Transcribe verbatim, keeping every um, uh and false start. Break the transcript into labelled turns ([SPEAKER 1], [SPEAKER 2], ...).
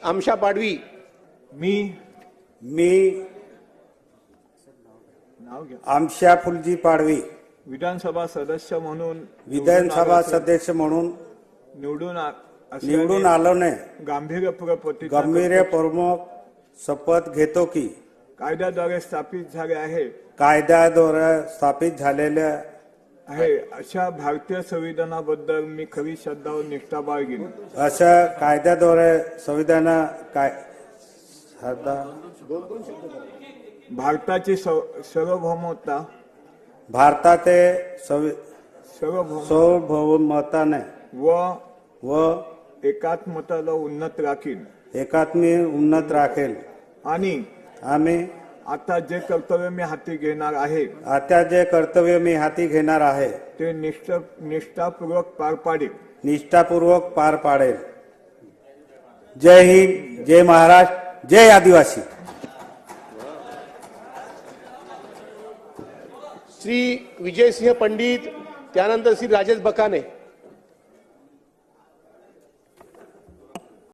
[SPEAKER 1] आमशा पाडवी,
[SPEAKER 2] मी
[SPEAKER 3] मी
[SPEAKER 2] नाव घ्या
[SPEAKER 3] आमशा फुलजी पाडवी
[SPEAKER 2] विधानसभा सदस्य म्हणून
[SPEAKER 3] विधानसभा सदस्य म्हणून
[SPEAKER 2] निवडून आ- असल्याने
[SPEAKER 3] निवडून आलोने
[SPEAKER 2] गांभीर्यपूर्वक प्रतिज्ञा
[SPEAKER 3] गंभीर
[SPEAKER 2] करतो.
[SPEAKER 3] प्रमुख शपथ घेतो की
[SPEAKER 2] कायद्याद्वारे स्थापित झाले आहे
[SPEAKER 3] कायद्याद्वारे स्थापित झालेल्या
[SPEAKER 2] आहे अशा भारतीय संविधानाबद्दल मी खरी श्रद्धा व निष्ठा बाळगीन.
[SPEAKER 3] अशा कायद्याद्वारे संविधान काय श्रद्धा
[SPEAKER 2] भारताची सव- सार्वभौमता
[SPEAKER 3] भारताचे संवि-
[SPEAKER 2] सार्वभौम
[SPEAKER 3] सार्वभौमताने
[SPEAKER 2] व
[SPEAKER 3] व
[SPEAKER 2] एकात्मताला उन्नत राखीन
[SPEAKER 3] एकात्मी उन्नत राखेल.
[SPEAKER 2] आणि
[SPEAKER 3] आम्ही
[SPEAKER 2] आता जे कर्तव्य मी हाती घेणार आहे
[SPEAKER 3] आता जे कर्तव्य मी हाती घेणार आहे
[SPEAKER 2] ते निष्ठ निष्ठापूर्वक पार पाडेल.
[SPEAKER 3] निष्ठापूर्वक पार पाडेल. जय हिंद, जय महाराष्ट्र, जय आदिवासी.
[SPEAKER 1] श्री विजयसिंह पंडित, त्यानंतर श्री राजेश बकाने.